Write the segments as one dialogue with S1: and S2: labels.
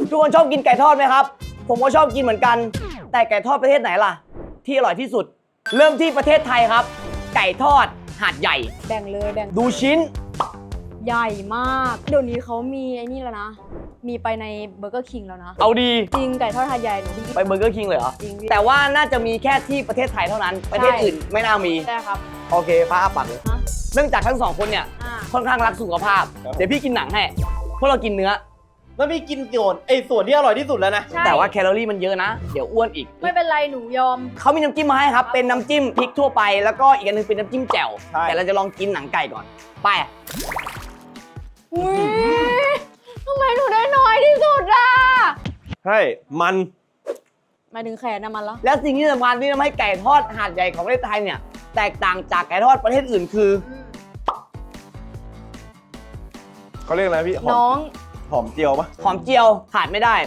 S1: ทุกคนชอบกินไก่ทอดไหมครับผมก็ชอบกินเหมือนกันแต่ไก่ทอดประเทศไหนล่ะที่อร่อยที่สุดเริ่มที่ประเทศไทยครับไก่ทอดหาดใหญ่
S2: แบ่งเลยแบ่ง
S1: ดูชิ้น
S2: ใหญ่มากเดี๋ยวนี้เขามีไอ้นี่แล้วนะมีไปในเบอร์เกอร์คิงแล้วนะ
S1: เอาดี
S2: จริงไก่ทอดหาดใหญ่หนู
S1: ไปเบอร์เกอร์คิงเลยเหรอ
S2: จริง
S1: แต่ว่าน่าจะมีแค่ที่ประเทศไทยเท่านั้นประเทศอื่นไม่น่ามี
S2: ใช่ครับ
S1: โอเคพระอาปักเลยเนื่องจากทั้งสองคนเนี่ยค่อนข้างรักสุขภาพเดี๋ยวพี่กินหนังให้เพราะเรากินเนื้อ
S3: แล้วพี่กินส่วนที่อร่อยที่สุดแล้วนะ
S1: แต่ว่าแคลอรี่มันเยอะนะเดี๋ยวอ้วนอีก
S2: ไม่เป็นไรหนูยอม
S1: เขามีน้ำจิ้มมาให้ครับเป็นน้ำจิ้มพริกทั่วไปแล้วก็อีกอันนึงเป็นน้ำจิ้มแจ่วแต่เราจะลองกินหนังไก่ก่อนไป
S2: ทำไมหนูได้น้อยที่สุดอ่ะ
S3: ใช่มัน
S2: หมายถึงแขนนะมัน
S1: แล้วสิ่งที่สำคัญที่ทำให้ไก่ทอดหาดใหญ่ของประเทศไทยเนี่ยแตกต่างจากไก่ทอดประเทศอื่นคือ
S3: เขาเรียกอะไรพี่
S2: น้อง
S3: หอมเจียวปะ
S1: หอมเจียวขาดไม่ได้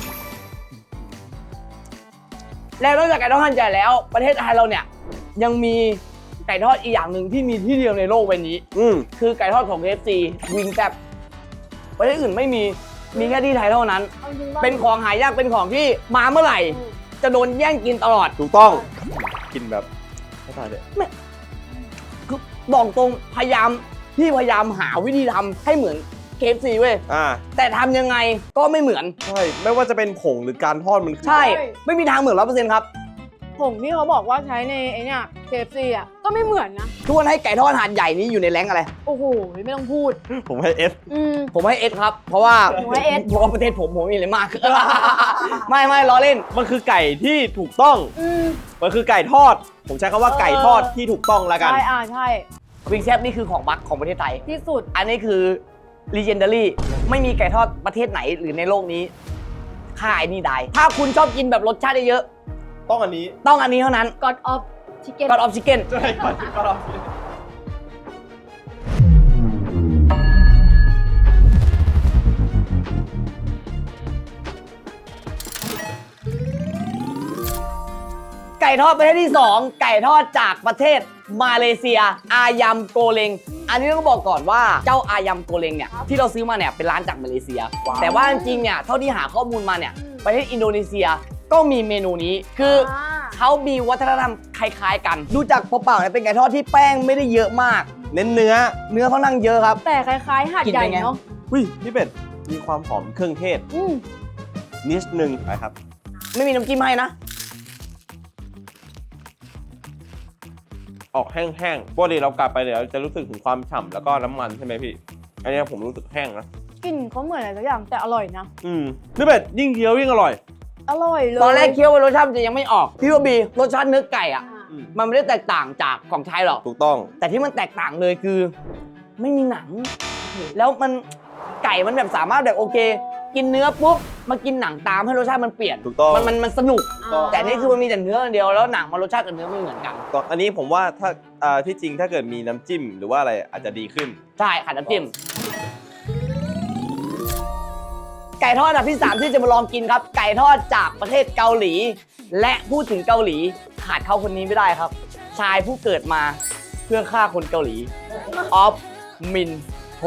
S1: แล้วนอกจากไก่ทอดหาดใหญ่แล้วประเทศไทยเราเนี่ยยังมีไก่ทอดอีกอย่างหนึ่งที่มีที่เดียวในโลกใบนี้คือไก่ทอดของ KFC วิงแซ่บประเทศอื่นไม่มีแค่ที่ไทยเท่านั้นเป็นของหายากเป็นของที่มาเมื่อไหร่จะโดนแย่งกินตลอด
S3: ถูกต้องกินแบบไม่ตายเลย
S1: คือบอกตรงพยายามหาวิธีทำให้เหมือน KFC เว้ยแต่ทำยังไงก็ไม่เหมือน
S3: ใช่ไม่ว่าจะเป็นผงหรือการทอดมัน
S1: ใช่ไม่มีทางเหมือน 100% ครับ
S2: ผงที่เขาบอกว่าใช้ในไอ้เนี่ย KFC อ่ะก็ไม่เหมือนนะ
S1: ทุกคนให้ไก่ทอดหาดใหญ่นี้อยู่ในแรงอะไร
S2: โอ้โหไม่ต้องพูด
S3: ผมให้ S
S1: ผมให้ S ครับเพราะว่าประเทศผมมีอะไรมากไม่ล้อเล่น
S3: มันคือไก่ที่ถูกต้องมันคือไก่ทอดผมใช้คำว่าไก่ทอดที่ถูกต้องแล้วกัน
S2: ใช่
S1: วิงแซ่บนี่คือของบัคของประเทศไทย
S2: ที่สุด
S1: อันนี้คือ Legendary ไม่มีไก่ทอดประเทศไหนหรือในโลกนี้ค่ายนี่ได้ถ้าคุณชอบกินแบบรสชาติเยอะ
S3: ต้องอันนี้
S1: เท่านั้น
S2: God of Chicken
S1: God of Chicken
S3: ใช่ God of
S1: ไก่ทอดประเทศที่2ไก่ทอดจากประเทศมาเลเซียอายัมโกเลงอันนี้ต้องบอกก่อนว่าเจ้าอายัมโกเลงเนี่ยที่เราซื้อมาเนี่ยเป็นร้านจากมาเลเซียแต่ว่าจริงๆเนี่ยเท่าที่หาข้อมูลมาเนี่ยประเทศอินโดนีเซียก็มีเมนูนี้คือเขามีวัฒนธรรมคล้ายๆกันดูจากเปล่าๆเนี่ยเป็นไก่ทอดที่แป้งไม่ได้เยอะมาก
S3: เน้นเนื้อ
S1: เขานั่งเยอะครับ
S2: แต่คล้ายๆหาดใหญ่เนาะ
S3: พี่เป็ดมีความหอมเครื่องเทศนิดนึงนะครับ
S1: ไม่มีน้ำจิ้มให้นะ
S3: ออกแห้งๆปกติเรากลับไปเดี๋ยวจะรู้สึกถึงความฉ่ำแล้วก็น้ำมันใช่ไหมพี่อันนี้ผมรู้สึกแห้งนะ
S2: กลิ่นเขาเหมือนอะไรสักอย่างแต่อร่อยนะ
S3: นี่เป็ดยิ่งเคี้ยวยิ่งอร่อย
S1: เลยตอนแรกเคี้ยวรสชาติจะยังไม่ออกพี่ว่าบีรสชาติเนื้อไก่อ่ะมันไม่ได้แตกต่างจากของไทยหรอก
S3: ถูกต้อง
S1: แต่ที่มันแตกต่างเลยคือไม่มีหนังแล้วมันไก่มันแบบสามารถแบบโอเคกินเนื้อปุ๊บมากินหนังตามให้รสชาติมันเปลี่ยน
S3: ถูกต้อง
S1: มันสนุกแต่นี่คือมันมีแต่เนื้อเดียวแล้วหนังมันรสชาติกับเนื้อไม่เหมือนกัน
S3: อันนี้ผมว่าถ้าที่จริงถ้าเกิดมีน้ำจิ้มหรือว่าอะไรอาจจะดีขึ้น
S1: ใช่ขาดน้ำจิ้มไก่ทอดอันดับที่3ที่จะมาลองกินครับไก่ทอดจากประเทศเกาหลีและพูดถึงเกาหลีขาดเขาคนนี้ไม่ได้ครับชายผู้เกิดมาเพื่อฆ่าคนเกาหลีออฟมินโฮ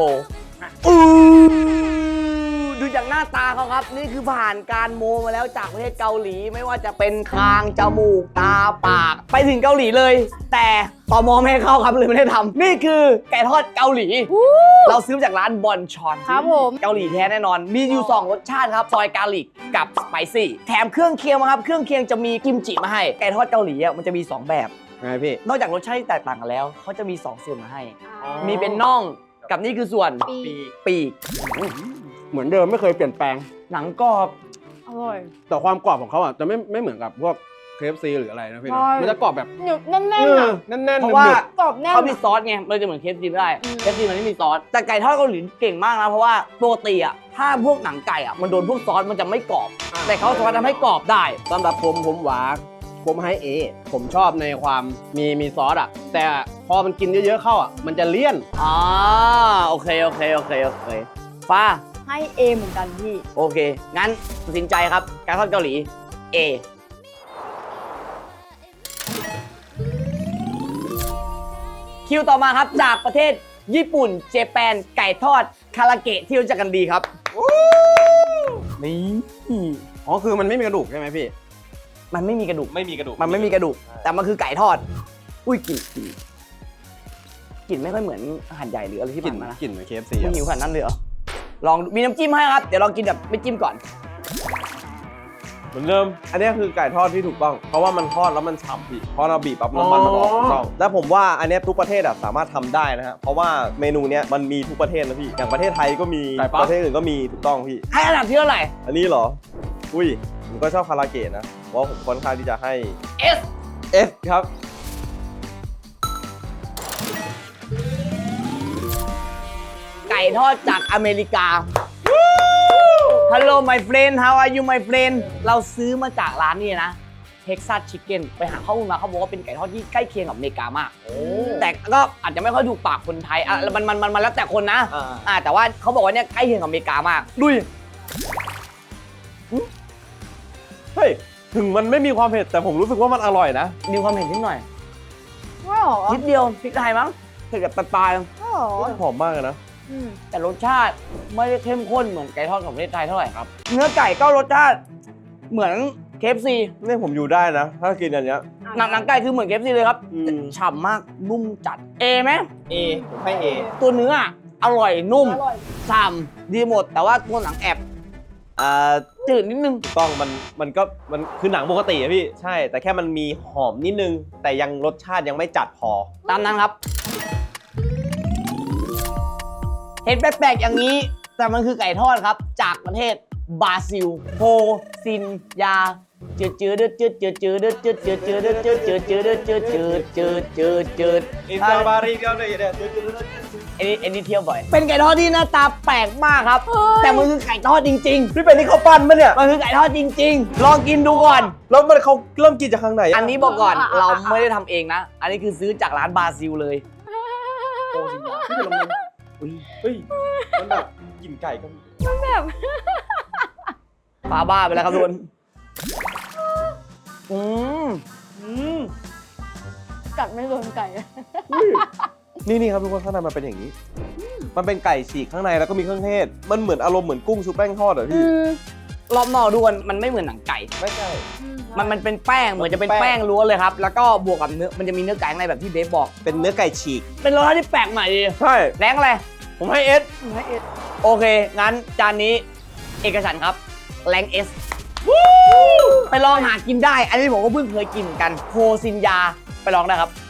S1: ดูจากหน้าตาเขาครับนี่คือผ่านการโมมาแล้วจากประเทศเกาหลีไม่ว่าจะเป็นคางจมูกตาปากไปถึงเกาหลีเลยแต่ตมไม่ให้เข้าครับเลยไม่ได้ทำนี่คือไก่ทอดเกาหลีเราซื้อจากร้านบอนชอน
S2: ครับผม
S1: เกาหลีแท้แน่นอนมีอยู่2รสชาติครับซอยกาลิกกับสไปซี่แถมเครื่องเคียงมาครับเครื่องเคียงจะมีกิมจิมาให้ไก่ทอดเกาหลีมันจะมี2แบบ
S3: ไงพี่
S1: นอกจากรสชาติที่แตกต่างกันแล้วเขาจะมี2ส่วนมาให้มีเป็นน่องกับนี่คือส่วนปีก
S3: เหมือนเดิมไม่เคยเปลี่ยนแปลง
S1: หนังกรอบ
S2: อร่อย
S3: แต่ความกรอบของเขาอ่ะจะไม่เหมือนกับพวก KFC หรืออะไรนะพี่มันจะกรอบแบบ
S2: แน่
S1: นเพราะว่ากรอบแน่นเขามีซอสไงมันจะเหมือน KFC ไม่ได้ KFC มันไม่มีซอสแต่ไก่ทอดเกาหลีเก่งมากนะเพราะว่าปกติอ่ะถ้าพวกหนังไก่อ่ะมันโดนพวกซอสมันจะไม่กรอบแต่เขาสามารถทำให้กรอบได้
S3: สำหรับผมหวานผมให้ผมชอบในความมีซอสอ่ะแต่พอมันกินเยอะๆเข้าอ่ะมันจะเลี่ยน
S1: โอเคฟ้า
S2: ให้ A เหมือนกันพี่
S1: โอเคงั้นตัดสินใจครับการทอดเกาหลี A คิวต่อมาครับจากประเทศญี่ปุ่นเจแปนไก่ทอดคาราเกะที่รู้จักกันดีครับ
S3: นี่
S4: อ๋อคือมันไม่มีกระดูกใช่ไหมพี่
S1: มันไม่มีกระดูก
S3: ไม่มีกระดูก
S1: มันไม่มีกระดูก แต่มันคือไก่ทอด อุ้ยกลิ่นไม่ค่อยเหมือนอาหารใหญ่หรืออะไรที่
S4: กลิ่น
S1: ผ่านมานะ
S4: กลิ่นเหมือน KFC
S1: มึงหิวขนาดนั้นเลยเหรอ ลองดูมีน้ำจิ้มให้ครับ เดี๋ยวลองกินแบบไม่จิ้มก่อน
S3: เหมือนเดิม อันนี้คือไก่ทอดที่ถูกต้อง เพราะว่ามันทอดแล้วมันฉ่ำพี่เพราะเราบีบปั๊บน้ำมันมันออกถูกต้อง แล้วผมว่าอันเนี้ยทุกประเทศอะสามารถทำได้นะฮะ เพราะว่าเมนูเนี้ยมันมีทุกประเทศนะพี่ อย่างประเทศไทยก็มี
S4: ไก่ปั๊บ
S3: ประเทศอื่นก็มีถูกต้องพี่
S1: ให้อันดับที่เท่าไหร่
S3: อันนี้เหรอ อุ้ย ผมก็ชอบคาราเกะนะเพราะผมค่อนข้างที่จะให้
S1: S
S3: S ครับ
S1: ไก่ทอดจากอเมริกา Hello my friend how are you my friend เราซื้อมาจากร้านนี้นะ Texas Chicken ไปหาข้อมูลมาเขาบอกว่าเป็นไก่ทอดที่ใกล้เคียงกับอเมริกามาก แต่ก็อาจจะไม่ค่อยถูกปากคนไทยอ่ะมันแล้วแต่คนนะ แต่ว่าเขาบอกว่าเนี่ยใกล้เคียงกับอเมริกามากดุย
S3: เฮ้ย ถึงมันไม่มีความเผ็ดแต่ผมรู้สึกว่ามันอร่อยนะ
S1: มีความเผ็ดนิดหน่อย
S2: ว้าว
S1: นิดเดียวพริกไทยมั้งเผ็ดแบบปลาย
S2: ว้าว
S3: หอมมากเลยนะ
S1: ๆแต่รสชาติไม่ได้เข้มข้นเหมือนไก่ทอดของประเทศไทยเท่าไหร่ครับ เนื้อไก่ก็รสชาติเหมือน KFC
S3: นี่ผมอยู่ได้นะ ถ้ากินอันเนี้ย
S1: หนังไก่คือเหมือน KFC เลยครับ
S3: อืม
S1: ฉ่ำมากนุ่มจัด A ไหม
S4: A ผมให้ A
S1: ตัวเนื้ออร่อยนุ่มฉ่ำดีหมด แต่ว่าตัวหนังแอบจืดนิดนึง
S3: ถูกต้องมันคือหนังปกติอะพี่ ใช่ แต่แค่มันมีหอมนิดนึง แต่ยังรสชาติยังไม่จัดพอ
S1: ตามนั้นครับ เห็นแปลกๆอย่างนี้ แต่มันคือไก่ทอดครับ จากประเทศบราซิลโฮซินยาจืดจืดจืดจืดจืดจืดจืดจืดจืดจืดจืดจืดจืดจืดจืดจืด
S3: อินซาบาริกาเลยเนี่ย
S1: อันนี้เที่ยวบ่อย เป็นไก่ทอดที่หน้าตาแปลกมากครับ แต่มันคือไก่ทอดจริง
S3: พี่เป็นที่เขาปั้นปะเนี่ย
S1: ๆ มันคือไก่ทอดจริง ๆ ลองกินดูก่อน
S3: แล้วมันเขาเริ่มกินจากข้างไหน
S1: อันนี้บอกก่อนเราไม่ได้ทำเองนะ อันนี้คือซื้อจากร้านบราซิลเลยโฮซินยา
S3: พี่เป็นลมมันเฮ้ย มันแบบกลิ่นไก่ก็มี
S1: ปลาบ้าไปแล้วครับทุกคนม
S2: กัดไม่โดนไก่
S3: นี่ครับทุกคนข้างในมันเป็นอย่างนี้ มันเป็นไก่ฉีกข้างในแล้วก็มีเครื่องเทศ มันเหมือนอารมณ์เหมือนกุ้งชุบแป้งทอดเหรอพี่
S1: รอบนอกดูมันไม่เหมือนหนังไก่
S3: ไม่ใช่
S1: มันเป็นแป้งเหมือนจะเป็นแป้งล้วนเลยครับ แล้วก็บวกกับเนื้อมันจะมีเนื้อไก่ข้างในแบบที่เดฟบอก
S3: เป็นเนื้อไก่ฉีก
S1: เป็นรสชาติที่แปลกใหม่ดี
S3: ใช่
S1: แรงอะไร
S3: ผมให้ S
S1: โอเค งั้นจานนี้เอกฉันท์ครับแรงเอสไปลองหากินได้ อันนี้ผมก็เพิ่งเคยกินเหมือนกันโฮซินยาไปลองได้ครับ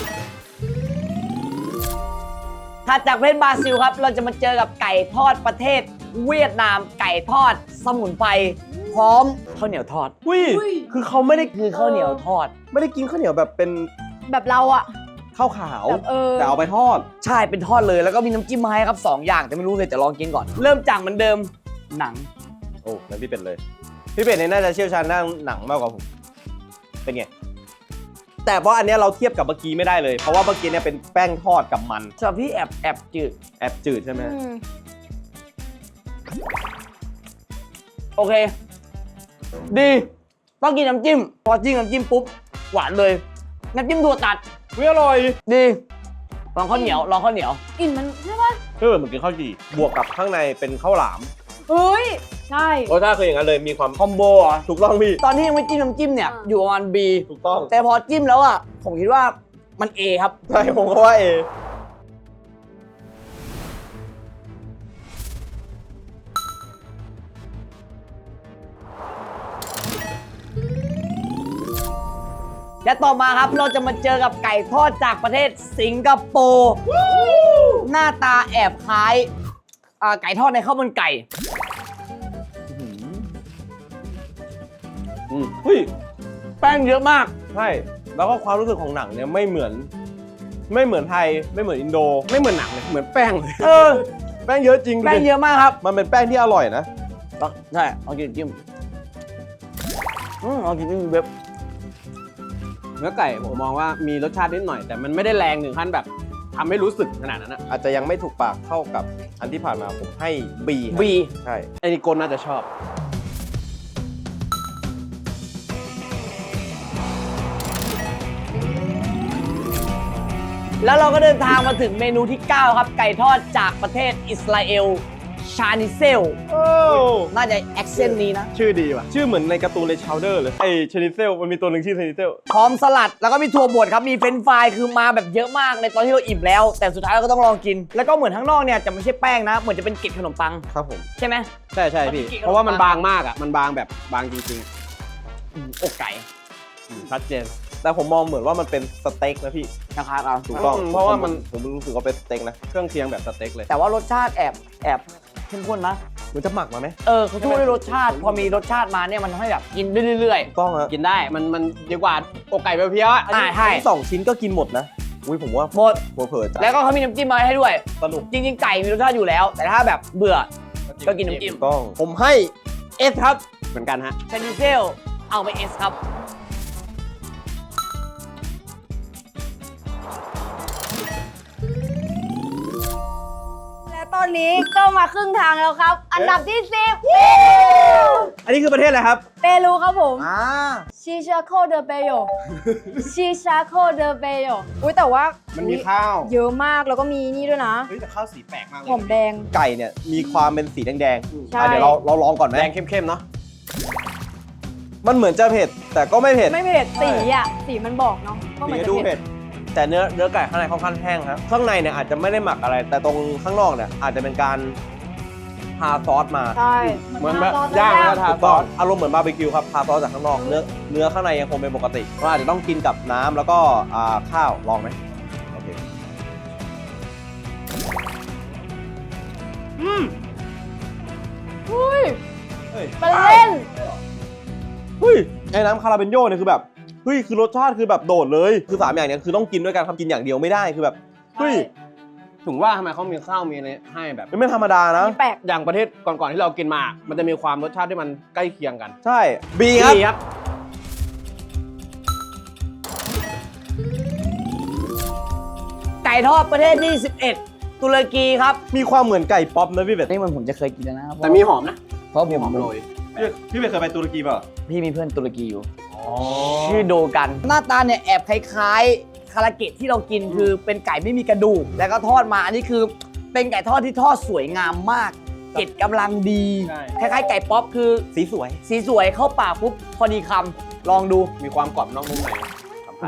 S1: ถัดจากประเทศบราซิลครับ เราจะมาเจอกับไก่ทอดประเทศเวียดนาม ไก่ทอดสมุนไพรพร้อมข้าวเหนียวทอด
S3: อุ้ย คือเขาไม่ได้
S1: คือข้าวเหนียวทอด
S3: ไม่ได้กินข้าวเหนียวแบบเป็น
S2: แบบเราอะ
S3: ข้าวขาว
S2: แบบ
S3: แต่เอาไปทอด
S1: ใช่เป็นทอดเลยแล้วก็มีน้ำจิ้มมาให้ครับ 2 อย่างแต่ไม่รู้เลยแต่ลองกินก่อน เริ่มจากเหมือนเดิมหนัง
S3: โอ้นั่นพี่เป็ดเลย พี่เป็ดเนี่ยน่าจะเชี่ยวชาญด้านหนังมากกว่าผม เป็นไง แต่เพราะอันเนี้ยเราเทียบกับเมื่อกี้ไม่ได้เลย เพราะว่าเมื่อกี้เนี่ยเป็นแป้งทอดกับมัน
S1: สำหรับพี่แอบจืด
S3: แอบจืดใช่ไหม
S1: โอเค ดีต้องกินน้ำจิ้มพอจิ้มน้ำจิ้มปุ๊บหวานเลยน้ำจิ้มถั่วตัด
S3: อร่อย
S1: ดีลองข้าวเหนียวลองข้าวเหนียว
S2: กลิ่นมันใช่ปะ
S3: เหมือนกินข้าวจี่บวกกับข้างในเป็นข้าวหลาม
S2: เฮ้ย ใช่
S3: รสชาติคืออย่างนั้นเลยมีความ
S1: คอมโบเหรอ
S3: ถูกต้องพี่
S1: ตอนที่ยังไม่จิ้มน้ำจิ้มเนี่ยอยู่ประมาณ B
S3: ถูกต้อง
S1: แต่พอจิ้มแล้วอ่ะผมคิดว่ามัน A ครับ
S3: ใช่ผมก็ว่าเอ
S1: และต่อมาครับเราจะมาเจอกับไก่ทอดจากประเทศสิงคโปร์หน้าตาแอบคล้ายไก่ทอดในข้าวมันไก่
S3: เฮ้ย
S1: แป้งเยอะมาก
S3: ใช่ แล้วก็ความรู้สึกของหนังเนี่ยไม่เหมือนไทย ไม่เหมือนอินโด
S4: ไม่เหมือนหนังเลยเหมือนแป้งเลย
S1: เออ
S3: แป้งเยอะจริงดู
S1: แป้ง
S3: ดิ
S1: เยอะมากครับ
S3: มันเป็นแป้งที่อร่อยนะ
S1: ใช่เอากินจิ้มเอากินจิ้มเว็บ
S4: เนื้อไก่ผมมองว่ามีรสชาตินิดหน่อย แต่มันไม่ได้แรงถึงขั้นแบบทำให้รู้สึกขนาดนั้นอะ
S3: อาจจะยังไม่ถูกปากเท่ากับอันที่ผ่านมาผมให้ B ครับ
S1: B
S3: ใช่
S4: ไอ้นิโกนน่าจะชอบ
S1: แล้วเราก็เดินทางมาถึงเมนูที่ 9 ครับ ไก่ทอดจากประเทศอิสราเอลชานิเซล
S3: โอ้
S1: น่าจะแอคเซนต์นี้นะ
S4: ชื่อดีว่ะ
S3: ชื่อเหมือนในการ์ตูนเลยชาวเดอร์เลยไอชนิเซลมันมีตัวหนึ่งชื่อชนิเซล
S1: พร้อมสลัดแล้วก็มีถั่วบดครับ มีเฟรนช์ฟรายคือมาแบบเยอะมากในตอนที่เราอิ่มแล้ว แต่สุดท้ายเราก็ต้องลองกิน แล้วก็เหมือนข้างนอกเนี่ยจะไม่ใช่แป้งนะ เหมือนจะเป็นเกล็ดขนมปัง
S3: ครับผม
S1: ใช่ไหม
S4: ใช่พี่ เพราะว่ามันบางมากอ่ะ มันบางแบบบางจริง
S1: อกไก่
S4: ๆชัดเจน
S3: แต่ผมมองเหมือนว่ามันเป็นสเต็กนะพี่
S1: นะครับเอา
S3: ถูกต้อง
S4: เพราะว่ามัน
S3: ผมรู้สึกว่าเป็นสเต็กนะ
S4: เครื่องเคียงแบบสเต็กเลย
S1: แต่ว่ารสชาติแอบเข้มข้นนะ
S3: มันจะหมักมาไหม
S1: เขาช่วยด้วยรสชาติ พอมีรสชาติมาเนี่ยมันทำให้แบบกินได้เรื่อย
S3: ถูกต้องฮะ
S4: กินได้ มันดีกว่าอกไก่เพียวๆอ่ะ
S1: ใช่
S3: สองชิ้นก็กินหมดนะ อุ้ยผมว่า
S1: ๆหมด
S3: เผลอๆจ้ะ
S1: แล้วก็เขามีน้ำจิ้มมาให้ด้วย
S3: สนุก
S1: จริงๆ ไก่มีรสชาติอยู่แล้ว แต่ถ้าแบบเบื่อก็กินน้ำจิ้ม
S3: ถูกต้อง ผมให้เอสครับ
S4: เหมือนกันฮะ
S1: ชานิเซลเอาไปเอสครับ
S2: และตอนนี้ก็มาครึ่งทางแล้วครับ อันดับที่
S3: อันนี้คือประเทศอะไรครับ
S2: 10 เปรูครับผม ชิชาโคเดเปโย ชิชาโคเดเปโยอุ้ยแต่ว่า
S4: มั
S2: มัน
S4: มีข้าว
S2: เยอะมากแล้วก็มีนี่ด้วยนะ
S4: เฮ้ยแต่ข้าวสีแปลกมากเลย
S2: หอมแดง
S3: ไก่เนี่ยมีความเป็นสีแดง
S2: ใช่
S3: ๆเดี๋ยวเราลองก่อนไหม
S4: แดงเข้มๆเนาะ
S3: มันเหมือนจะเผ็ด แต่ก็ไม่เผ็ด
S2: ไม่เผ็ดสีอ่ะ สีมันบอกเนาะก็เหมื
S3: สี
S2: อน
S3: ก็
S2: จะ
S3: ดู
S2: เผ็
S3: เผ็
S2: ด
S3: ด แต่เนื้อไก่ข้างในค่อนข้างแห้งครับ ข้างในเนี่ยอาจจะไม่ได้หมักอะไร แต่ตรงข้างนอกเนี่ยอาจจะเป็นการทาซอสมา
S2: ใช่
S4: เหมือนแบบ
S2: ซส
S4: ย่างแล้วทา
S3: ถูกต้องอารมณ์เหมือนบาร์บีคิวครับทาซอสจากข้างนอก เนื้อข้างในยังคงเป็นปกติเราอาจจะต้องกินกับน้ำแล้วก็ข้าวลองไหมโอเค
S2: อุ้ย
S3: เฮ้ย
S2: เป็นเล่น
S3: เฮ้ยไอ้น้ำคาราเบนโยเนี่ยคือแบบเฮ้ยคือรสชาติคือแบบโดดเลยคือ3อย่างเนี้ยคือต้องกินด้วยกันทำกินอย่างเดียวไม่ได้คือแบบเฮ้ย
S4: ถึงว่าทำไมเขามีข้าวมีอะไรให้แบบ
S3: ไม่ธรรมดานะ
S2: มีแปลก
S4: อย่างประเทศก่อนๆที่เรากินมา มันจะมีความรสชาติที่มันใกล้เคียงกัน
S3: ใช่บีครับ
S4: ดีครับ
S1: ไก่ทอดประเทศที่ 11 ตุรกีครับ
S3: มีความเหมือนไก่ป๊อปนะพี่เบส
S1: นี่มันผมจะเคยกินแล้วนะครับ
S4: แต่มีหอมนะ
S1: เพราะผม
S4: หอมโรย
S3: พี่เบสเคยไปตุรกีเปล่า
S1: พี่มีเพื่อนตุรกีอยู่ ชื่อโดกัน หน้าตาเนี่ยแอบคล้ายๆ คาราเกะที่เรากินคือเป็นไก่ไม่มีกระดูก แล้วก็ทอดมาอันนี้คือเป็นไก่ทอดที่ทอดสวยงามมากเกล็ดกำลังดี
S4: ใช่
S1: คล้ายๆไก่ป๊อปคือ
S3: สีสวย
S1: สีสวยเข้าปากปุ๊บพอดีคำลองดู
S4: มีความกรอบนอกนุ่มในสัมผัส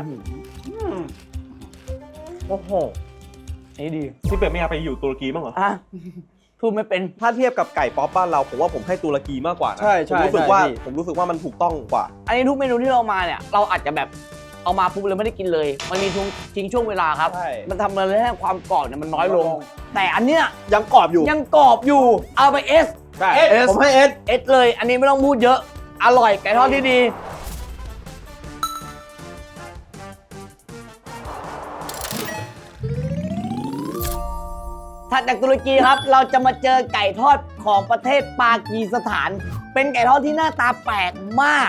S3: โอ้โห
S1: นี่ดี
S3: พี่เบสไม่อยากไปอยู่ตุรกีบ้างเหรอ
S1: อ่ะพูดไม่เป็น
S3: ถ้าเทียบกับไก่ป๊อปบ้านเราผมว่าผมให้ตุรกีมากกว่านะ
S4: ใช่ใช่
S3: ผมรู้สึกว่ามันถูกต้องกว่า
S1: อันนี้ทุกเมนูที่เรามาเนี่ยเราอาจจะแบบเอามาปุ๊บเลยไม่ได้กินเลย มันมีทิ้งช่วงเวลาครับ
S3: ใช่
S1: มันทำอะไรให้ความกรอบเนี่ยมันน้อยลง แต่อันเนี้ย
S3: ยังกรอบอยู่
S1: ยังกรอบอยู่ เอาไปเอส
S4: ใช่
S3: เอสผมให้เอส
S1: เอสเลย อันนี้ไม่ต้องพูดเยอะ อร่อยไก่ทอดที่ดี ถัดจากตุรกีครับ เราจะมาเจอไก่ทอดของประเทศปากีสถาน เป็นไก่ทอดที่หน้าตาแปลกมาก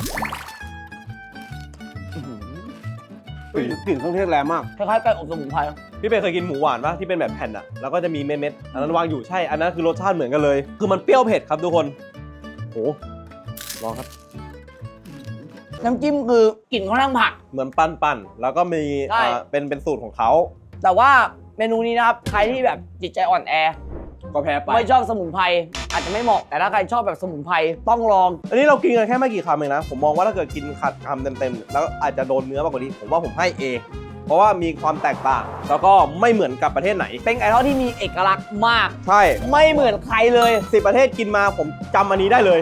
S4: กลิ่นเครื่องเทศแรงมาก
S1: คล้ายๆไก่อบสมุนไพร
S3: พี่เบสเคยกินหมูหวานปะที่เป็นแบบแผ่นอะแล้วก็จะมีเม็ดๆอันนั้นวางอยู่ใช่ อันนั้นคือรสชาติเหมือนกันเลย คือมันเปรี้ยวเผ็ดครับทุกคนโหลองครับ
S1: น้ำจิ้มคือกลิ่นค่อนข้างผัก
S3: เหมือนปั้นๆแล้วก็มี
S1: ใช่
S3: เป็นสูตรของเขา
S1: แต่ว่าเมนูนี้นะครับ ใครที่แบบจิตใจอ่อนแอ
S4: ก็แพ้ไป
S1: ไม่ชอบสมุนไพรอาจจะไม่เหมาะ แต่ถ้าใครชอบแบบสมุนไพรต้องลอง
S3: อันนี้เรากินกันแค่ไม่กี่คำเองนะ ผมมองว่าถ้าเกิดกินขัดคำเต็มๆ แล้วอาจจะโดนเนื้อมากกว่านี้ ผมว่าผมให้ A เพราะว่ามีความแตกต่าง แล้วก็ไม่เหมือนกับประเทศไหน
S1: เป็นไก่ทอดที่มีเอกลักษณ์มาก
S3: ใช่
S1: ไม่เหมือนใครเลย
S3: 10 ประเทศกินมาผมจำอันนี้ได้เลย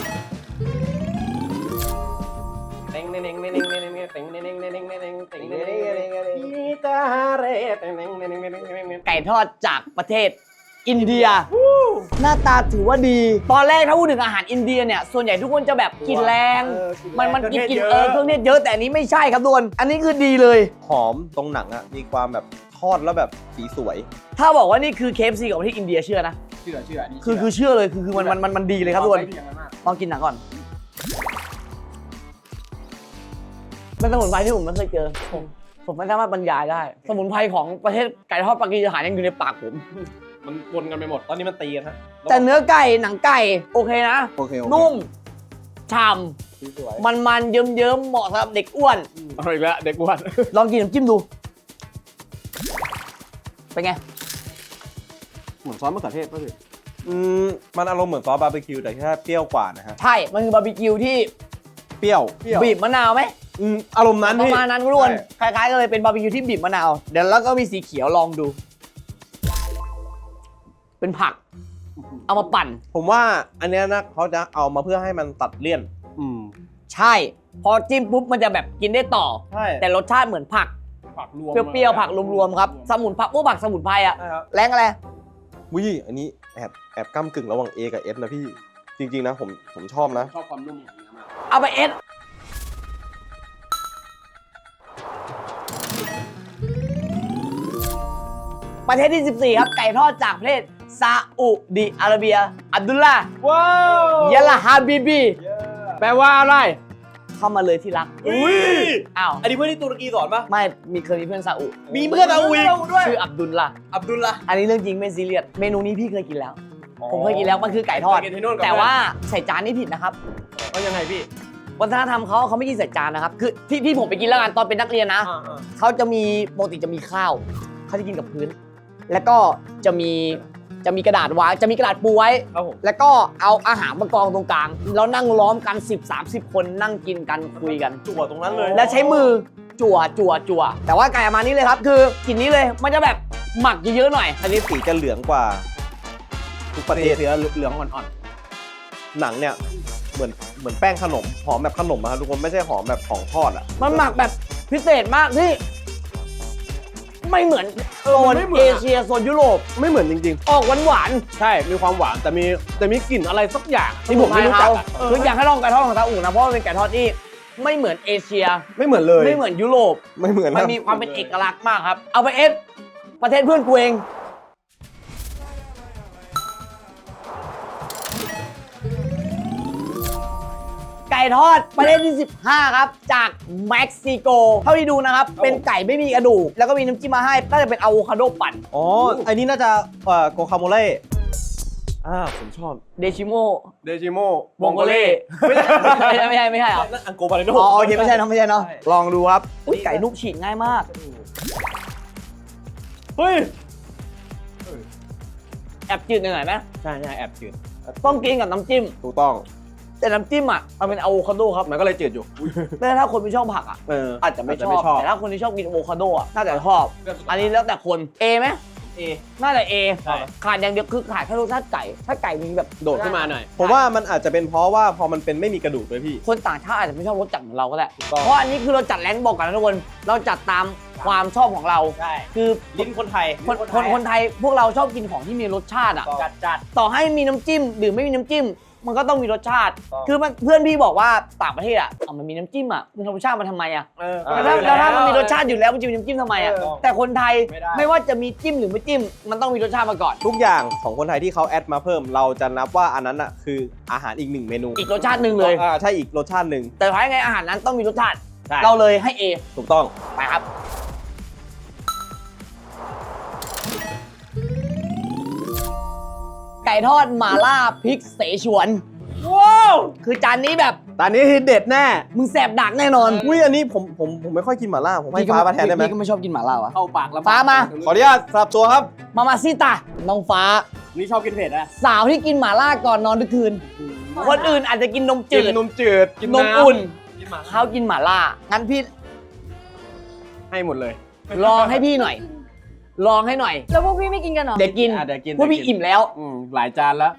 S1: ไก่ทอดจากประเทศอินเดีย หน้าตาถือว่าดี ตอนแรกถ้าพูดถึงอาหารอินเดียเนี่ยส่วนใหญ่ทุกคนจะแบบกินแรง มันกินเครื่องเทศเยอะแต่อันนี้ไม่ใช่ครับทุกคนอันนี้คือดีเลย
S3: หอมตรงหนังอะมีความแบบทอดแล้วแบบสีสวย
S1: ถ้าบอกว่านี่คือ KFC ของประเทศอินเดียเชื่อนะ
S4: เชื่อนี่
S1: คือเชื่อเลยคือมันดีเลยครับทุกคนลองกินหนังก่อนเป็นสมุนไพรที่ผมไม่เคยเจอผมไม่สามารถบรรยายได้ สมุนไพรของประเทศไก่ทอดปากีสถานยังอยู่ในปากผม
S3: มันวนกันไปหมด ตอนนี้มันตีกันฮะ
S1: แต่เนื้อไก่หนังไก่โอเคนะ
S3: โอเค
S1: นุ่มฉ่
S3: สีสวย
S1: ำมันเยิ้มๆเหมาะสำหรับเด็กอ้วน
S4: เอาอีกแล้วเด็กอ้วน
S1: ลองกินน้ำจิ้มดู เป็นไง
S4: เหมือนซอสมะเขือเทศป่ะพี่
S3: มันอารมณ์เหมือนซอสบาร์บีคิวแต่แค่เปรี้ยวกว่านะฮะ
S1: ใช่ มันคือบาร์บีคิวที่
S3: เปรี้ยว
S1: บีบมะนาวไหม
S3: อารมณ์นั้น
S1: ประ
S3: พี่
S1: มาณนั้นทุกคนคล้ายๆกันเลยเป็นบาร์บีคิวที่บีบมะนาว เดี๋ยวแล้วก็มีสีเขียวลองดู เป็นผัก เอามาปั่น
S3: ผมว่าอันเนี้ยนะเขาจะเอามาเพื่อให้มันตัดเลี่ยน
S1: ใช่ พอจิ้มปุ๊บมันจะแบบกินได้ต่อ
S3: ใช่
S1: แต่รสชาติเหมือนผัก
S4: ผักรวม
S1: เปรี้ยวๆผักรวมๆครับ สมุนผักพวกผักสมุนไพรอะ
S3: ใช่ครับ
S1: แรงอะไร
S3: วิอันนี้แอบก้ำกึ่งระหว่าง A กับ S นะพี่ จริงๆนะผมชอบนะ
S4: ชอบความนุ่มของเนื้อมาก
S1: เอาไปเอสประเทศที่ 14 ครับ ไก่ทอดจากประเทศซาอุดิอาระเบีย อับดุลลาห์
S4: ว้าวย
S1: ะลาฮาบิบี
S4: แปลว่าอะไร
S1: เข้ามาเลยที่รัก
S3: อุ้ย
S1: อ้าว
S3: อันนี้เพื่อนที่ตุรกีสอนปะ
S1: ไม่เคยมีเพื่อนซาอุ
S3: มีเพื่อนซาอุอีกด้วย
S1: ชื่ออับดุลละ
S3: อับดุลละ
S1: อันนี้เรื่องจริงไม่ซีเรียส เมนูนี้พี่เคยกินแล้ว ผมเคยกินแล้ว มันคือไก่ทอด
S3: เคยกินที่นู่นกับ
S1: แต่ว่าใส่จานนี่ผิดนะครับ
S3: เขายังไงพี่
S1: วัฒนธรรมเขาไม่กินใส่จานนะครับ คือที่ผมไปกินแล้วกันตอนเป็นนักเรียนนะ เขาจะมีปกติจะมีข้าว เขาจะกินกับพื้น แล้วก็จะมีกระดาษวางจะมีกระดาษปูไว้
S3: ครับผม
S1: แล้วก็เอาอาหารมากองตรงกลาง แล้วนั่งล้อมกัน 10-30 คนนั่งกินกันคุยกัน
S3: จั่วตรงนั้นเลย
S1: แล้วใช้มือจั่วแต่ว่าไก่ประมาณนี้เลยครับ คือกลิ่นนี้เลยมันจะแบบหมักเยอะๆหน่อย
S3: อันนี้สีจะเหลืองกว่า ทุกประเทศ
S4: เสือเหลืองอ่อน
S3: หนังเนี่ยเหมือนแป้งขนมหอมแบบขนมอะครับทุกคนไม่ใช่หอมแบบของทอดอะ
S1: มันหมักแบบพิเศษมากที่ ไม่เหมือนโซนเอเชียโซนยุโรป
S3: ไม่เหมือนจริง
S1: ออกหวาน
S4: ๆ ใช่ มีความหวานแต่มีกลิ่นอะไรสักอย่าง
S1: ๆ
S4: ที่ผมไม่รู้จักอะ
S1: คืออยากให้ลองไก่ทอดของซาอุนะเพราะว่าเป็นไก่ทอดที่ไม่เหมือนเอเชีย
S3: ๆ ไม่เหมือนเลย
S1: ไม่เหมือนยุโรป
S3: ไม่เหมือน
S1: มันมีความเป็นเอกลักษณ์มากครับ เอาไปเอสประเทศเพื่อนกูเอง ไก่ทอดประเทศที่ 15 ครับ จากเม็กซิโก เท่าที่ดูนะครับ เป็นไก่ไม่มีกระดูก แล้วก็มีน้ำจิ้มมาให้ น่าจะเป็นอะโวคาโดปั่น
S3: อ๋ออันนี้น่าจะโกคาโมเล่ผมชอบ
S1: เดชิโม
S3: เดจิโม
S1: วงโกเล่ไม่ใช่เหรอ
S3: นั่นอังโกบาเลโน
S1: อ๋อโอเคไม่ใช่เนอะลองดูครับอุ๊ยไก่นุ่มฉีกง่ายมาก
S3: เฮ้ย
S1: แอบจืดหน่อยไหม
S4: ใช่แอบจืด
S1: ต้องกินกับน้ำจิ้ม
S3: ถูกต้อง
S1: แต่น้ำจิ้มอ่ะมันเป็นอะโวคาโดครับ
S4: มันก็เลยจืดอยู่
S1: แต่ถ้าคนไม่ชอบผักอ่ะ อาจจะไม่ชอบ แต่ถ้าคนที่ชอบกินอะโวคาโดอ่ะ น่าจะชอบ อันนี้แล้วแต่คน A ไหม
S3: A
S1: น่าจะ A
S4: ใช่
S1: ขาดอย่างเดียวคือขาดแค่รสชาติไก่ ถ้าไก่มีแบบ
S4: โดดขึ้นมาหน่อย
S3: ผมว่ามันอาจจะเป็นเพราะว่าพอมันเป็นไม่มีกระดูกด้วยพี่
S1: คนต่างชาติอาจจะไม่ชอบรสจัดเหมือนเราก็ได้
S3: ถูกต้อง
S1: เพราะอันนี้คือเราจัดแรงค์บอกกันนะทุกคน เราจัดตามความชอบของเรา
S3: ใช่
S1: คือ
S3: ลิ้นคนไทย
S1: คนไทยพวกเราชอบกินของที่มีรสชาติอ่ะ
S3: จัด
S1: ต่อให้มีน้ำจิ้มหรือไม่มีน้ำจิ้ม มันก็ต้องมีรสชาติ
S3: ต้อง
S1: คือเพื่อนพี่บอกว่าต่างประเทศอ่ะมันมีน้ำจิ้มอ่ะมันรสชาติมันทำไมอ่ะ
S3: อ่า
S1: แล้วถ้ามันมีรสชาติอยู่แล้วมันจะมีน้ำจิ้มทำไมอ่ะ
S3: เออ
S1: แต่คนไทย
S3: ไม่ได้
S1: ไม่ว่าจะมีจิ้มหรือไม่จิ้ม มันต้องมีรสชาติมาก่อน
S3: ทุกอย่างของคนไทยที่เขาแอดมาเพิ่ม เราจะนับว่าอันนั้นอ่ะคืออาหารอีกหนึ่งเมนู
S1: อีกรสชาติหนึ่งเลย
S3: ใช่อีกรสชาติหนึ่ง
S1: แต่ท้ายไงอาหารนั้นต้องมีรสชาติ
S3: ใช่
S1: เราเลยให้ A
S3: ถูกต้อง
S1: ไปครับ ไก่ทอดหม่าล่าพริกเสฉวน
S3: ว้าว
S1: คือจานนี้แบบ
S4: ตอนนี้ที่เด็ดแน่
S1: มึงแสบดักแน่นอน
S3: อุ้ยอันนี้ผมไม่ค่อยกินหม่าล่าผมให้ฟ้ามาแทนได้ไหม
S1: พี่ก็ไม่ชอบกินหม่าล่าวะ
S4: เข้าปากแล้ว
S1: ฟ้ามา
S3: ขออนุญาตสลับตัวครับ
S1: มาซิตาน้องฟ้า
S4: นี่ชอบกินเผ็ดนะ
S1: สาวที่กินหม่าล่าก่อนนอนทุกคืน คนอื่นอาจจะกินนมจืด
S4: นมจืดกิน
S1: นม
S4: น้ำ
S1: อุ่น
S4: กินหมา
S1: เขากินหม่าล่า งั้นพี่
S4: ให้หมดเลย
S1: ลองให้พี่หน่อย ลองให้หน่อย
S2: แล้วพวกพี่ไม่กินกันเหรอ
S1: เดี๋ยวกิน
S4: เดี๋ยวกิน
S1: พวกพี่อิ่มแล้ว
S4: หลายจานแล้ว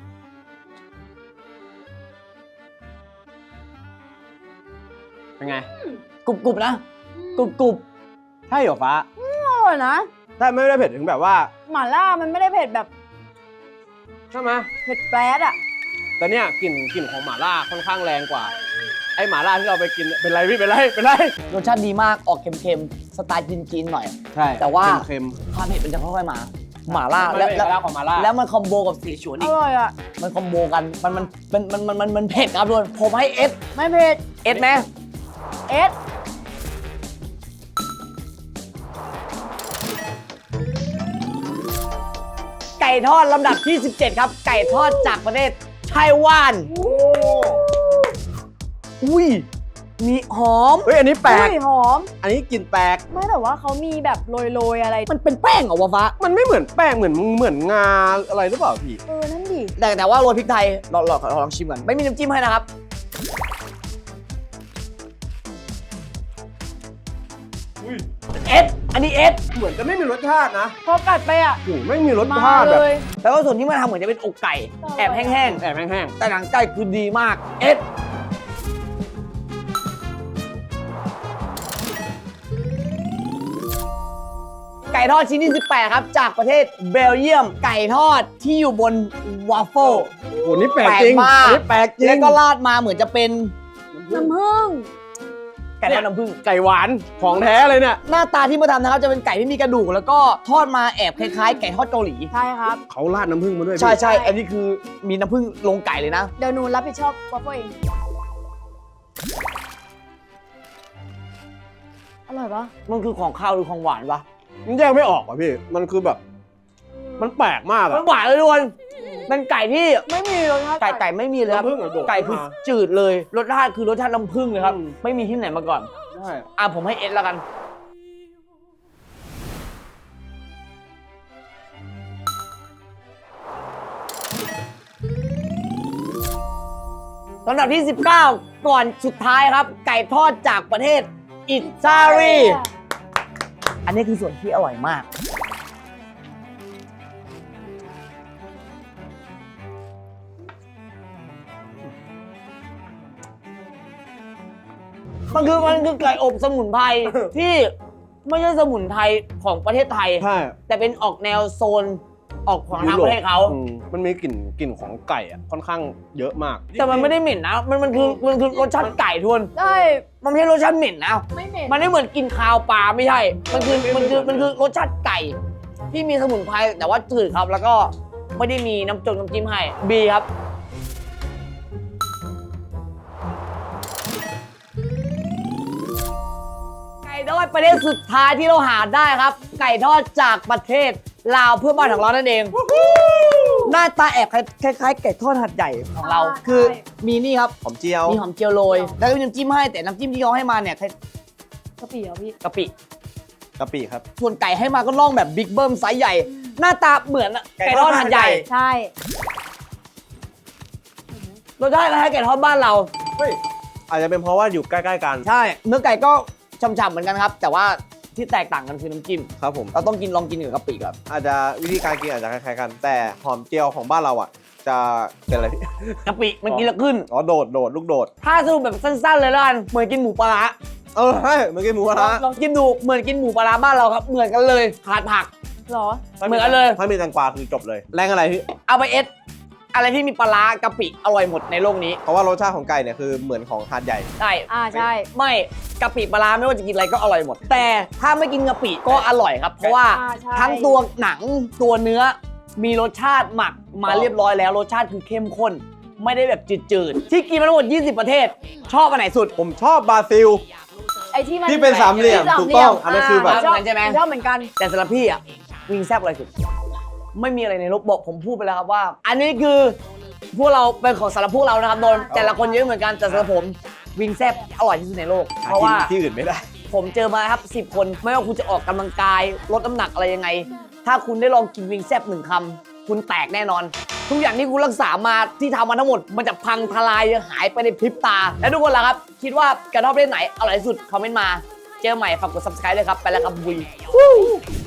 S4: เป็นไง
S1: กรุบๆนะ กรุบ
S4: ใช่เหรอฟ้า
S2: อร่อยนะ
S4: ใช่ไม่ได้เผ็ดถึงแบบว่า
S2: หม่าล่ามันไม่ได้เผ็ดแบบ
S4: ใช่ไหม
S2: เผ็ดแปรดอ่ะ
S4: แต่เนี่ยกลิ่นของหม่าล่าค่อนข้างแรงกว่า ไอ้หม่าล่าที่เราไปกินเป็นไรพี่เป็นไร
S1: ๆรสชาติดีมาก ออกเค็มๆ สไตล์จีนๆหน่อย
S4: ใช่
S1: แต่ว่า
S4: เค็ม
S1: ความเผ็ดมันจะค่อยๆมา หม่าล่า
S4: ๆ
S1: แล้ว
S4: เอกลักษณ์ของหม่าล่า
S1: แล้วมันคอมโบกับเสฉวน
S2: อ
S1: อีก
S2: ร่อยอ่ะ
S1: มันคอมโบกัน มันเผ็ดครับทุกคนผมให้เอส
S2: ไม่เผ็ด
S1: เอสไหม
S2: เอส
S1: ไก่ทอดลำดับที่ 17 ครับ ไก่ทอดจากประเทศไต้หวัน อุ้ย มีหอม
S4: เฮ้ยอันนี้แปลก
S2: อุ้ยหอม
S4: อันนี้กลิ่นแปลก
S2: ไม่แต่ว่าเขามีแบบโรยๆอะไร
S1: มันเป็นแป้งเหรอวะฟ้า
S4: มันไม่เหมือนแป้งเหมือนงาอะไรหรือเปล่าพี่
S2: นั่นดิ
S1: แต่ว่าโรยพริกไทยลองชิมก่อนไม่มีน้ำจิ้มให้นะครับเอสอันนี้เอส
S4: เหมือนจะไม่มีรสชาตินะ
S2: พอกัดไปอ่ะ
S4: โอ้โหไม่มีรส
S2: มา
S4: ชาติ
S2: เล
S4: แบบ
S2: ย
S1: แล้วก็ส่วนที่มันทำเหมือนจะเป็นอกไก่แอบแห้ง
S4: แอบแห้ง
S1: ๆแต่หนังไก่คือดีมากเอสไก่ทอดชิ้นที่ 18 ครับ จากประเทศเบลเยียม ไก่ทอดที่อยู่บนวาฟเฟิล
S4: ๆโอ้โหนี่แปลกจริง
S1: แปลกมาก
S4: อันนี้แปลกจริง
S1: แล้วก็ราดมาเหมือนจะเป็น
S2: น้ำผึ้ง
S1: ไก่ทอดน้ำผึ้ง
S4: ไก่หวานของแท้เลยเนี่ย
S1: หน้าตาที่มาทำนะครับจะเป็นไก่ที่มีกระดูก แล้วก็ทอดมาแอบคล้ายๆ ไก่ทอดเกาหลี
S2: ใช่ครับ
S4: เขาราดน้ำผึ้งมาด้วยพี่
S1: ใช่ อันนี้คือมีน้ำผึ้งลงไก่เลยนะ
S2: เดี๋ยวหนูรับผิดชอบวอฟเฟิลเองอร่อยปะ
S1: มันคือของข้าวหรือของหวานปะ
S4: มันแยกไม่ออกอ่ะพี่ มันคือแบบ มันแปลกมาก
S1: มั
S4: อะ
S1: นหวานเลยทุกคนเป็นไก่ที่
S2: ไม่มีรสชาติ
S1: ไก่ไม่มีเลยครับ
S4: น้ำผึ้งอะโดด
S1: ไก่คือ
S4: มา
S1: จืดเลย รสชาติคือรสชาติน้ำผึ้งเลยครับ
S4: อืม
S1: ไม่มีที่ไหนมาก่อน
S4: ใช่
S1: ผมให้เอสแล้วกัน ลำดับที่ 19 ก่อนสุดท้ายครับ ไก่ทอดจากประเทศอิตาลี อันนี้คือส่วนที่อร่อยมาก มันคือไก่อบสมุนไพร ที่ไม่ใช่สมุนไพรของประเทศไทย
S4: ใช่
S1: แต่เป็นออกแนวโซนออกของทางประเทศเขา
S4: อืมมันมีกลิ่นของไก่อ่ะค่อนข้างเยอะมาก
S1: แต่มันไม่ได้เหม็นนะ มันคือรสชาติไก่ทวน
S2: ได้
S1: มันไม่ใช่รสชาติเหม็นนะ
S2: ไม่เหม็น
S1: มันไม่เหมือนกินคาวปลาไม่ใช่ มันคือรสชาติไก่ ที่มีสมุนไพรแต่ว่าจืดครับ แล้วก็ไม่ได้มีน้ำจิ้มให้บีครับ ไก่ทอดประเทศสุดท้ายที่เราหาได้ครับ ไก่ทอดจากประเทศลาวเพื่อนบ้านของเรานั่นเอง หน้าตาแอบคล้ายๆไก่ทอดหัดใหญ่ของเรา คือมีนี่ครับ
S3: หอมเจียว
S1: มีหอมเจียวโรย แล้วก็มีน้ำจิ้มให้ แต่น้ำจิ้มที่เขาให้มาเนี่ย
S2: กะปิเหรอพี่
S1: กะปิ
S3: กะปิครับ
S1: ส่วนไก่ให้มาก็น่องแบบบิ๊กเบิ้มไซส์ใหญ่ หน้าตาเหมือนไก่ทอดหัดใหญ่
S2: ใช่
S1: รสชาติคล้ายๆไก่ทอดบ้านเรา
S3: เฮ้ย อาจจะเป็นเพราะว่าอยู่ใกล้ๆกัน
S1: ใช่ เนื้อไก่ก็ฉ่ำๆเหมือนกันครับ แต่ว่าที่แตกต่างกันคือน้ำจิ้ม
S3: ครับผม
S1: เราต้องลองกินกับกะปิก่อน
S3: อาจจะวิธีการกินอาจจะคล้ายๆกัน แต่หอมเจียวของบ้านเราอ่ะ จะเป็นอะไรพี่
S1: กะปิมันกินแล้วขึ้น
S3: อ๋อโดดลูกโดด
S1: ถ้าสรุปแบบสั้นๆเลยแล้วกันเหมือนกินหมูปลาร้า
S3: ใช่เหมือนกินหมูกระทะ
S1: ลองกินดูเหมือนกินหมูปลาร้าบ้านเราครับ เหมือนกันเลยขาดผัก
S2: เหรอ
S1: เหมือนกันเลย
S3: ถ้ามีแตงกวาคือจบเลย แรงอะไรพี่
S1: เอาไปเอสอะไรที่มีปลาร้ากะปิอร่อยหมดในโลกนี้
S3: เพราะว่ารสชาติของไก่เนี่ยคือเหมือนของหาดใหญ่
S1: ใช่
S2: ใช่
S1: ไม่กะปิปลาร้าไม่ว่าจะกินอะไรก็อร่อยหมด แต่ถ้าไม่กินกะปิก็อร่อยครับ เพราะว่า
S2: ใช่
S1: ทั้งตัวหนังตัวเนื้อมีรสชาติหมักมาเรียบร้อยแล้วรสชาติคือเข้มข้น ไม่ได้แบบจืดๆที่กินมาทั้งหมด 20 ประเทศ ชอบอันไหนสุด
S3: ผมชอบบราซิล
S2: ไอ้ที่มัน
S3: ที่เป็นสามเหลี่ยม
S2: ที่
S3: ถูกต้องอันนั้นคือแบบ
S2: ชอบ
S1: ใช่ไหม
S2: ชอบเหมือนกัน
S1: แต่สำหรับพี่อ่ะวิงแซบอะไรสุด ไม่มีอะไรในโลกบอกผมพูดไปแล้วครับว่า อันนี้คือพวกเราเป็นของสำหรับพวกเรานะครับโดนแต่ละคนเยอะเหมือนกันแต่สำหรับผมวิงแซบอร่อยที่สุดในโลก เพราะว่า
S3: ที่อื่นไม่ได้
S1: ผมเจอมาครับ10 คนไม่ว่าคุณจะออกกำลังกายลดน้ำหนักอะไรยังไง ถ้าคุณได้ลองกินวิงแซบ1 คำคุณแตกแน่นอน ทุกอย่างที่คุณรักษามาที่ทำมาทั้งหมด มันจะพังทลายหายไปในพริบตา และทุกคนล่ะครับ คิดว่าการทอดประเภทไหนอร่อยที่สุดคอมเมนต์มาเจอใหม่ฝากกด subscribe เลยครับไปแล้วครับบุย